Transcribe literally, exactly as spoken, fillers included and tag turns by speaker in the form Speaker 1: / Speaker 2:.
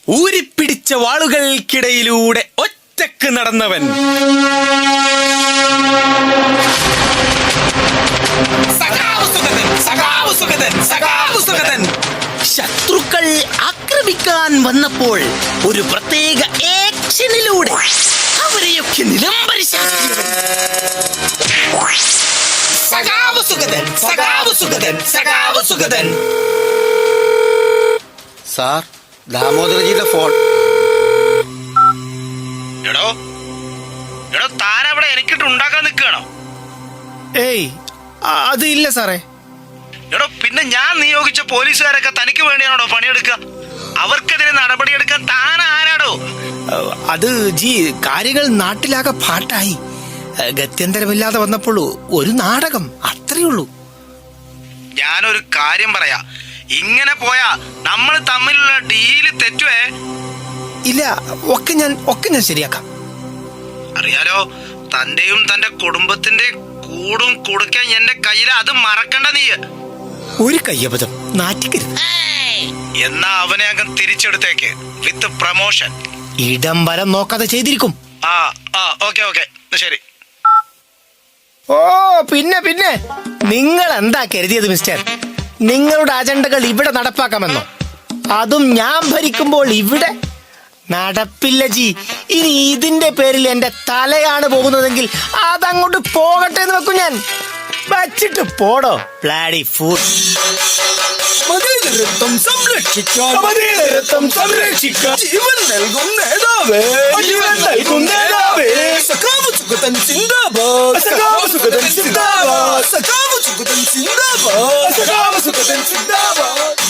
Speaker 1: ഊരിപ്പിടിച്ച വാളുകൾക്കിടയിലൂടെ ഒറ്റക്ക് നടന്നവൻ. ശത്രുക്കൾ ആക്രമിക്കാൻ വന്നപ്പോൾ ഒരു പ്രത്യേക ആക്ഷനിലൂടെ അവരെയൊക്കെ നിലംപരിശാക്കിയവൻ.
Speaker 2: Sir, ദാമോദരജിയുടെ phone.
Speaker 3: എടോ എടോ താനവിടെ എനിക്കിട്ട് ഉണ്ടാക്കാൻ നിൽക്കുകയാണോ?
Speaker 4: ഏയ് അത് ഇല്ല സാറേ.
Speaker 3: എടോ പിന്നെ ഞാൻ നിയോഗിച്ച പോലീസുകാരൊക്കെ തനിക്ക് വേണ്ടിയാണോ പണിയെടുക്കുക? അവർക്കെതിരെ നടപടിയെടുക്കാൻ താൻ ആരാടോ?
Speaker 4: അത് ജി കാര്യങ്ങൾ നാട്ടിലാകെ പാട്ടായി. ഗത്യന്തരമില്ലാതെ വന്നപ്പോൾ ഒരു നാടകം, അത്രേ ഉള്ളൂ.
Speaker 3: ഞാനൊരു കാര്യം പറയാ, ഇങ്ങനെ പോയാ നമ്മൾ തമ്മിലുള്ള ഡീല് തെറ്റുവേ.
Speaker 4: ഇല്ല, ഒക്കെ ഞാൻ ഒക്കെ ഞാൻ ശരിയാക്കാം.
Speaker 3: അറിയാലോ, തന്റെയും തന്റെ കുടുംബത്തിന്റെ കൂടും കൊടുക്കാൻ എന്റെ കയ്യിൽ, അത് മറക്കണ്ട നീ.
Speaker 4: ഒരു കയ്യബദ്ധം നാറ്റിക്കരുത്.
Speaker 3: എന്നാ അവനെ അങ്ങ് തിരിച്ചെടുത്തേക്ക് വിത്ത് പ്രമോഷൻ.
Speaker 4: ഇടം വരം നോക്കാതെ ചെയ്തിരിക്കും.
Speaker 3: ആ ആ ഓക്കെ ഓക്കെ ശരി.
Speaker 4: ഓ പിന്നെ പിന്നെ നിങ്ങൾ എന്താ കരുതിയത് മിസ്റ്റർ? നിങ്ങളുടെ അജണ്ടകൾ ഇവിടെ നടപ്പാക്കാമെന്നോ? അതും ഞാൻ ഭരിക്കുമ്പോൾ ഇവിടെ നടപ്പില്ല ജി. ഇനി ഇതിന്റെ പേരിൽ എന്റെ തലയാണ് പോകുന്നതെങ്കിൽ അതങ്ങോട്ട് പോകട്ടെ എന്ന് വെക്കും ഞാൻ. വച്ചിട്ട് പോടോ ബ്ലാഡി ഫൂൾ.
Speaker 1: മതേതരത്വം സംരക്ഷിക്കാൻ മതേതരത്വം സംരക്ഷിക്കാൻ ജീവൻ നൽകും നേതാവേ, ജീവൻ നൽകും നേതാവേ. സഖാവ് സുഗതൻ സിന്ദാബാദ്, സഖാവ് സുഗതൻ സിന്ദാബാദ്, സഖാവ് സുഗതൻ സിന്ദാബാദ്, സഖാവ് സുഗതൻ സിന്ദാബാദ്.